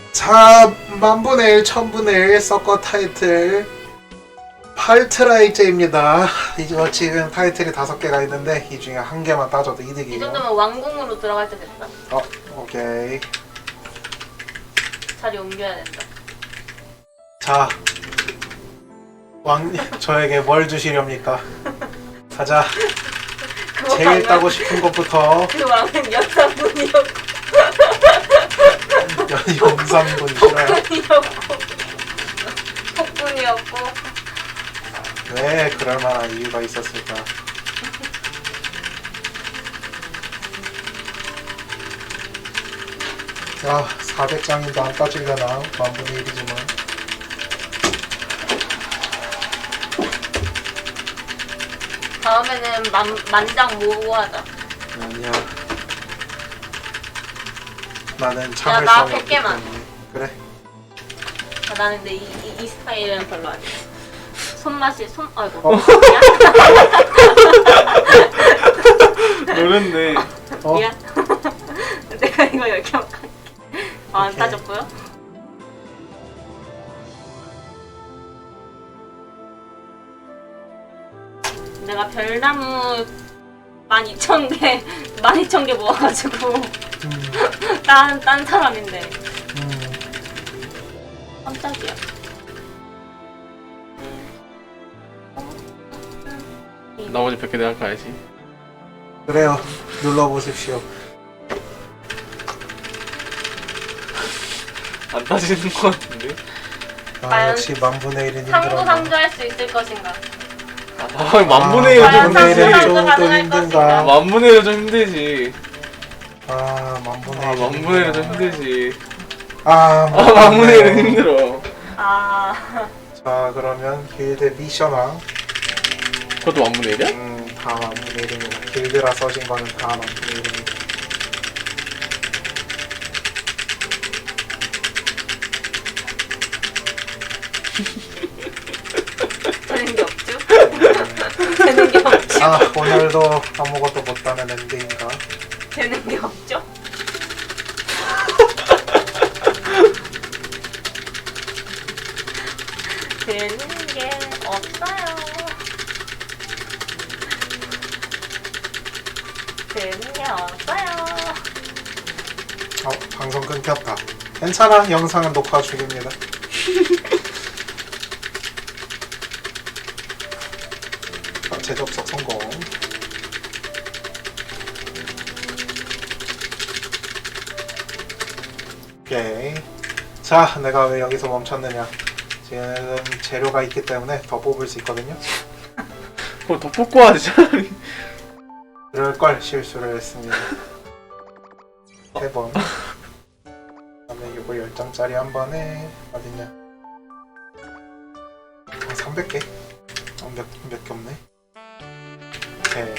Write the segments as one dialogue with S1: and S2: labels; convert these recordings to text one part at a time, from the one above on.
S1: 자, 만분의 1, 천분의 1 서커 타이틀 팔트라이제입니다. 이거 지금 타이틀이 5개가 있는데 이 중에 한 개만 따져도
S2: 이
S1: 이득이에요.
S2: 정도면 왕궁으로 들어갈 때 됐다.
S1: 오케이.
S2: 자리 옮겨야 된다.
S1: 자, 저에게 뭘 주시렵니까? 가자.
S2: 그거
S1: 제일
S2: 하면
S1: 따고 싶은 것부터
S2: 그 왕은 연산분이었고
S1: 영상분 싫어요.
S2: 폭군이었고
S1: 왜 그럴 만한 이유가 있었을까? 자, 400장인도 안 따지려나? 만분의 1이지만.
S2: 다음에는 만장 모으고 하자.
S1: 아니야. 나는
S2: 나
S1: 참을성이
S2: 100
S1: 없기
S2: 개만.
S1: 때문에. 그래.
S2: 나는 근데 이 스타일은 별로 아니야. 손맛이 아이고.
S3: 노렸네.
S2: 미안. 내가 이거 10개만 할게. 안
S1: 오케이.
S2: 따졌고요. 내가 별나무 12,000개 12,000개 모아가지고 딴 사람인데 깜짝이야.
S3: 나머지 100개 내가 가야지.
S1: 그래요. 눌러보십시오.
S3: 안 따지는 것 같은데?
S2: 과연
S1: 역시 만분의 1은
S2: 상부
S1: 힘들어.
S2: 상조할 수 있을 것인가?
S3: 만분의 1은 좀
S2: 과연
S1: 만분의 1은
S2: 상부
S3: 힘들지.
S2: 상조
S1: 좀
S2: 가능할
S1: 힘든가?
S2: 것인가?
S3: 만분의 1은 좀 힘들지.
S1: 만분의 1은
S3: 만분의 1은 좀 힘들지. 만분의 1은 힘들어.
S1: 자, 그러면 길드 미션왕.
S3: 그것도 만분의 1이야?
S1: 다 만분의 1입니다. 길드라 써진 거는 다 만분의 1입니다.
S2: 되는 게 없죠? 되는 게 없죠?
S1: 오늘도 아무것도 못하는 엔딩인가?
S2: 되는 게 없죠? 되는 게 없어요. 되는 게 없어요.
S1: 방송 끊겼다. 괜찮아, 영상은 녹화 중입니다. 재접속 성공. 오케이. 자, 내가 왜 여기서 멈췄느냐? 지금 재료가 있기 때문에 더 뽑을 수 있거든요.
S3: 그거 더 뽑고 하지 차라리.
S1: 그럴 걸 실수를 했습니다. 3번. 그다음에 요거 10장짜리 한 번에 어딨냐? 300개? 몇 개 없네. 오케이.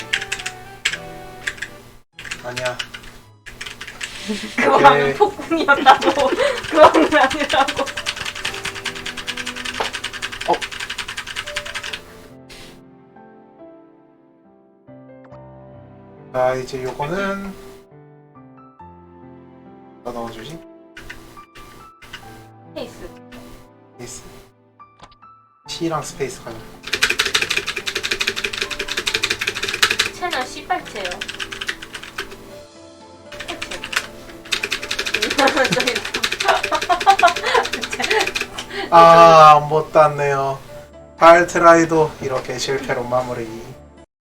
S1: 아니야.
S2: 그 왕은 폭군이었다고. 그 왕은 아니라고.
S1: 자, 이제 요거는 뭐 넣어주지?
S2: 페이스.
S1: 스페이스. C랑 스페이스 가자.
S2: 채널 씨발채요.
S1: 못 땄네요. 발트라이도 이렇게 실패로 마무리.